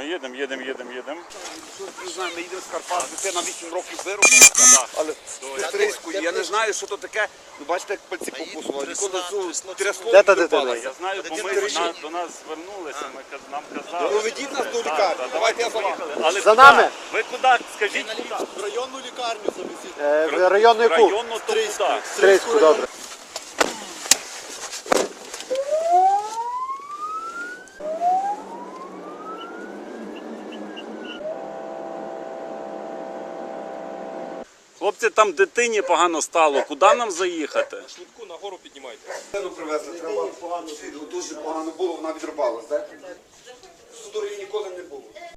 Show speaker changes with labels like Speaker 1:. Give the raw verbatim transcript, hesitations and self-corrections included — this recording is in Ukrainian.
Speaker 1: їдемо, їдемо, їдемо, їдемо.
Speaker 2: Не знаю, ми їдемо з Карпат, дитина вісім років вирубала, але стрийською. Я не знаю, що то таке. Ну, бачите, як пальці покусували. Ніколи цю трясло
Speaker 3: Де та
Speaker 2: не
Speaker 3: дитина?
Speaker 2: впалася.
Speaker 1: Я знаю, бо ми на- до нас звернулися, ми каз- нам казали.
Speaker 2: Проведіть нас до лікарні. Давайте я за вами.
Speaker 1: Але
Speaker 3: За
Speaker 1: куди?
Speaker 3: нами?
Speaker 1: Ви куди? Скажіть, куди?
Speaker 4: В районну лікарню завезіть.
Speaker 3: Е, в районну яку?
Speaker 1: Районно то куди?
Speaker 3: Стрийську, добре.
Speaker 1: Хлопці, там дитині погано стало. Куди нам заїхати?
Speaker 2: Швидку нагору піднімайте. Дитину привезли, треба. Дуже погано було, вона відрубалась, так? Судорів ніколи не було.